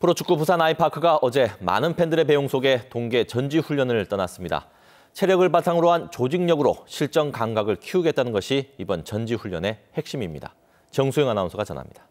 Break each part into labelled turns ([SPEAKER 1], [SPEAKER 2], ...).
[SPEAKER 1] 프로축구 부산 아이파크가 어제 많은 팬들의 배웅 속에 동계 전지훈련을 떠났습니다. 체력을 바탕으로 한 조직력으로 실전 감각을 키우겠다는 것이 이번 전지훈련의 핵심입니다. 정수영 아나운서가 전합니다.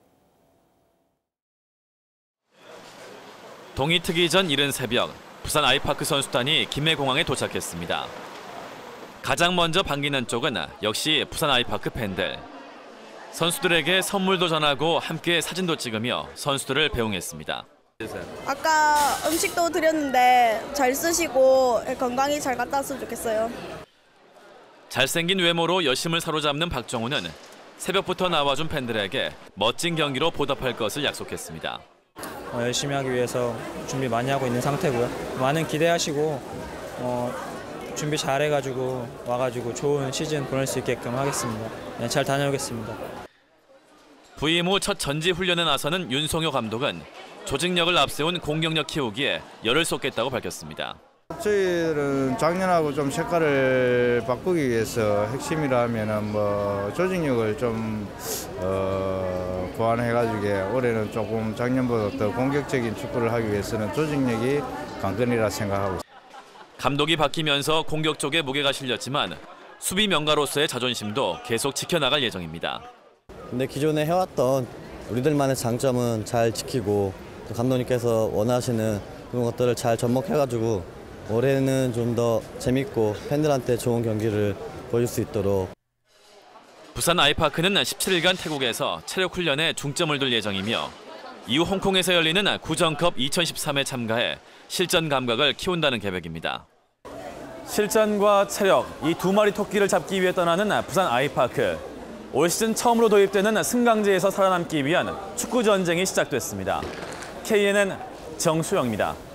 [SPEAKER 2] 동이 트기 전 이른 새벽, 부산 아이파크 선수단이 김해공항에 도착했습니다. 가장 먼저 반기는 쪽은 역시 부산 아이파크 팬들. 선수들에게 선물도 전하고 함께 사진도 찍으며 선수들을 배웅했습니다.
[SPEAKER 3] 아까 음식도 드렸는데 잘 쓰시고 건강히 잘 갔다 왔으면 좋겠어요.
[SPEAKER 2] 잘생긴 외모로 여심을 사로잡는 박정우는 새벽부터 나와준 팬들에게 멋진 경기로 보답할 것을 약속했습니다.
[SPEAKER 4] 열심히 하기 위해서 준비 많이 하고 있는 상태고요. 많은 기대하시고 준비 잘해가지고 와가지고 좋은 시즌 보낼 수 있게끔 하겠습니다. 잘 다녀오겠습니다.
[SPEAKER 2] 부임 후 첫 전지 훈련에 나서는 윤송효 감독은 조직력을 앞세운 공격력 키우기에 열을 쏟겠다고 밝혔습니다.
[SPEAKER 5] 저희들은 작년하고 좀 색깔을 바꾸기 위해서 핵심이라면은 조직력을 좀 보완해가지고 올해는 조금 작년보다 더 공격적인 축구를 하기 위해서는 조직력이 관건이라 생각하고 있습니다.
[SPEAKER 2] 감독이 바뀌면서 공격 쪽에 무게가 실렸지만 수비 명가로서의 자존심도 계속 지켜나갈 예정입니다.
[SPEAKER 6] 근데 기존에 해왔던 우리들만의 장점은 잘 지키고 또 감독님께서 원하시는 그런 것들을 잘 접목해가지고 올해는 좀 더 재밌고 팬들한테 좋은 경기를 보여줄 수 있도록.
[SPEAKER 2] 부산 아이파크는 17일간 태국에서 체력 훈련에 중점을 둘 예정이며 이후 홍콩에서 열리는 구정컵 2013에 참가해 실전 감각을 키운다는 계획입니다.
[SPEAKER 7] 실전과 체력, 이 두 마리 토끼를 잡기 위해 떠나는 부산 아이파크. 올 시즌 처음으로 도입되는 승강제에서 살아남기 위한 축구 전쟁이 시작됐습니다. KNN 정수영입니다.